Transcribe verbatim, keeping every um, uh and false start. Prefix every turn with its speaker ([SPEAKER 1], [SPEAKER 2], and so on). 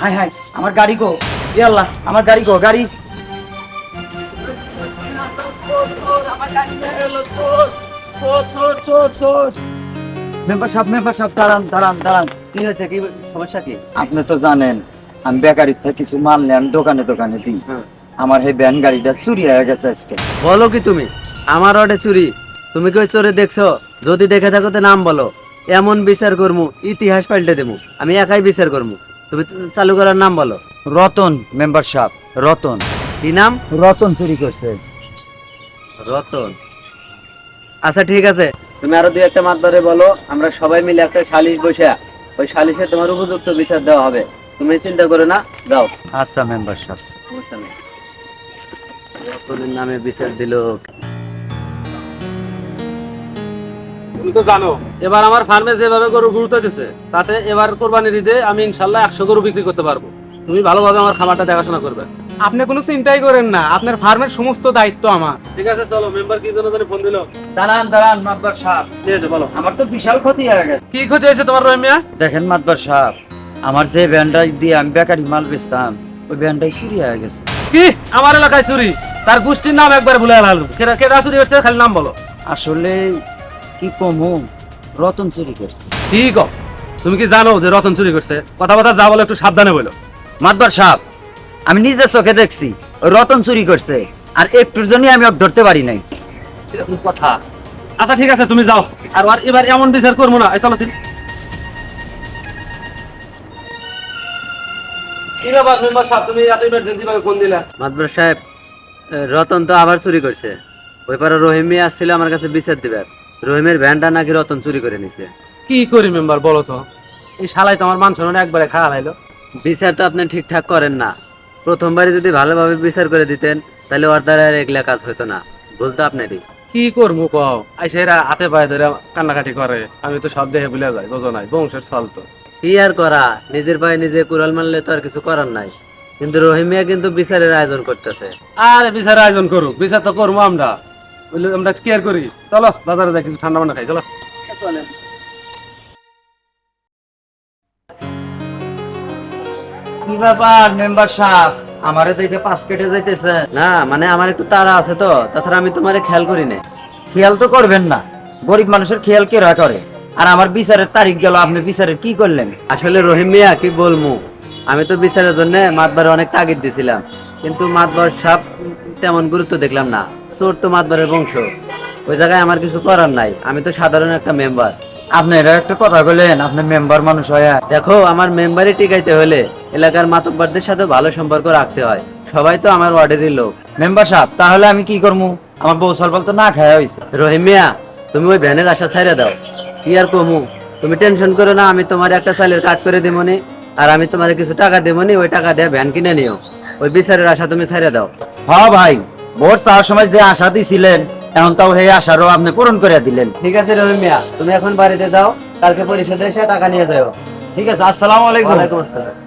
[SPEAKER 1] High high আমার গাড়ি গো, এ আল্লাহ আমার গাড়ি গো, গাড়ি মেম্বার সাহেব মেম্বার সাহেব দাঁড়ান দাঁড়ান দাঁড়ান, কি হয়েছে, কি সমস্যা কি? আপনি তো জানেন আমি বেকারির থেকে কিছু মাল নেই, আমি দোকানে দোকানে দিই। আমার এই ভ্যান গাড়িটা চুরি হয়ে গেছে আজকে।
[SPEAKER 2] বলো কি তুমি? আমার অটে চুরি? তুমি কি ওই চোরে দেখছো? যদি দেখে থাকো তো নাম বলো, এমন বিচার করমু ইতিহাস পাল্টে দেবো। আমি একাই বিচার করমু, তুমি চালু করার নাম বলো।
[SPEAKER 1] রতন মেম্বার সাহেব, রতন।
[SPEAKER 2] কি নাম?
[SPEAKER 1] রতন চুরি করছে।
[SPEAKER 2] রতন? আচ্ছা ঠিক আছে, তুমি আরো দুই একটা মাতবারে বলো, আমরা সবাই মিলে একটা সালিশ বসে ওই সালিশে তোমার উপযুক্ত বিচার দেওয়া হবে। তুমি চিন্তা করো না, যাও।
[SPEAKER 1] আচ্ছা মেম্বার সাহেব।
[SPEAKER 2] সমস্যা নেই। রতনের নামে বিচার দিল।
[SPEAKER 3] তুমি তো জানো এবার আমার ফার্মে যেভাবে গরু গুরুত্ব দিচ্ছে, তাতে এবার কোরবানির ঈদে আমি ইনশাল্লাহ একশো গরু বিক্রি করতে পারবো। তুমি ভালোভাবে আমার খামারটা দেখাশোনা করবে।
[SPEAKER 4] আপনি কোনো চিন্তাই করেন না, আপনার ফার্মের সমস্ত দায়িত্ব আমার।
[SPEAKER 3] ঠিক আছে চলো, মেম্বার কি জন্য জানি ফোন দিল।
[SPEAKER 1] দাঁড়ান দাঁড়ান মাতবার সাহেব,
[SPEAKER 3] ঠিক আছে বলো।
[SPEAKER 1] আমার তো বিশাল ক্ষতি হয়ে গেছে।
[SPEAKER 3] কি ক্ষতি হয়েছে তোমার রহিম মিয়া?
[SPEAKER 1] দেখেন মাতবার সাহেব, আমার যে ভ্যানটা দিয়ে আমি বেকারি মাল বেচতাম, ওই ভ্যানটাই চুরি হয়ে গেছে।
[SPEAKER 3] কি আমার এলাকায় চুরি? তার গোষ্ঠীর নাম একবার ভুলে গেলাম। কেডা কেডা চুরি করছে খালি নাম বলো।
[SPEAKER 1] আসলে কি কমু, রতন চুরি করছে।
[SPEAKER 3] ঠিক। তুমি কি জানো যে রতন চুরি করছে? কথা কথা যা বলো একটু সাবধানে বলো।
[SPEAKER 1] মাতবার সাহেব, আমি নিজের চোখে দেখছি ওই রতন চুরি করছে, আর একটুর জন্য আমি ওকে ধরতে পারি নাই।
[SPEAKER 3] এরকম কথা? আচ্ছা ঠিক আছে তুমি যাও, আর আর এবার এমন বিচার করবো না। এই চলো চিন। কি ব্যাপার মেম্বার সাহেব, তুমি এত ইমার্জেন্সি ভাবে ফোন দিলা?
[SPEAKER 2] মাতবর সাহেব, রতন তো আবার চুরি করছে। ওই পারে রহিম মিয়া আসছিল আমার কাছে বিচার দিবে। রহিমের ভ্যানটা নাকি রতন চুরি করে নিছে।
[SPEAKER 3] কি করি মেম্বার বলো তো? এই শালাই তো আমার মান সম্মান একবারে খাওয়া লাইলো।
[SPEAKER 2] বিচার তো আপনি ঠিকঠাক করেন না। প্রথমবারে যদি ভালোভাবে বিচার করে দিতেন তাহলে ওর দ্বারা আর এগুলা কাজ হতো না। ভুল তো আপনারই।
[SPEAKER 3] কি করবো কও? আইসে এরা হাতে পায়ে ধরে কান্নাকাটি করে, আমি তো সব দেখে ভুলে যাই, বোঝো নাই বংশের চল তো।
[SPEAKER 2] কি আর করা, নিজের পায়ে নিজে কুড়াল মারলে তো আর কিছু করার নাই। কিন্তু রহিম মিয়া কিন্তু বিচারের আয়োজন করতেছে।
[SPEAKER 3] আরে বিচার আয়োজন করুক, বিচার তো করবো আমরা। বুঝলি, আমরা কেয়ার করি। চলো বাজারে যাই, কিছু ঠান্ডা মান্ডা খাই। চলো।
[SPEAKER 1] কি ব্যাপার মেম্বার সাহেব, আমারে দেখে পাঁচ কেটে যাইতেছে?
[SPEAKER 2] না মানে আমার একটু তাড়া আছে তো, তাছাড়া আমি তোমারে খেয়াল করি না।
[SPEAKER 1] খেয়াল তো করবেন না, গরিব মানুষের খেয়াল কে রা করে? আর আমার বিচারের তারিখ গেল, আপনি বিচারের কি করলেন?
[SPEAKER 2] আসলে রহিম মিয়া কি বলবো, আমি তো বিচারের জন্য মাতবারে অনেক তাগিদ দিছিলাম, কিন্তু মাতবার সাপ তেমন গুরুত্ব দেখলাম না। চোর তো মাতবারের বংশ, ওই জায়গায় আমার কিছু করার নাই। আমি তো সাধারণ একটা মেম্বার।
[SPEAKER 1] আপনি এটা একটা কথা বললেন, আপনি মেম্বার মানুষ হয়ে।
[SPEAKER 2] দেখো, আমার মেম্বারই টিকাইতে হলে এলাকার মাতব্বরদের সাথে ভালো সম্পর্ক রাখতে হয়। সবাই তো আমার ওয়ার্ডেরই লোক।
[SPEAKER 1] মেম্বার সাহেব, তাহলে আমি কি করবো? আমার বউ সলবল তো না খাওয়া হয়েছে।
[SPEAKER 2] রহিম মিয়া, তুমি ওই ভ্যানের আশা ছাইড়া দাও। কি আর কমু, তুমি টেনশন করো না, আমি তোমার একটা চালের কাট করে দেবনি, আর আমি তোমার কিছু টাকা দেবনি। ওই টাকা দিয়ে ভ্যান কিনে নিও। ওই বিচারের আশা তুমি ছাইড়া দাও।
[SPEAKER 1] হ্যাঁ ভাই, ভোট চাওয়ার সময় যে আশা দিছিলেন, এখন তাও সেই আশারও আপনি পূরণ করে দিলেন।
[SPEAKER 2] ঠিক আছে রহিম মিয়া, তুমি এখন বাড়িতে যাও, কালকে পরিষদে এসে টাকা নিয়ে যাও।
[SPEAKER 1] ঠিক আছে, আসসালামু আলাইকুম।
[SPEAKER 2] ওয়ালাইকুম আসসালাম।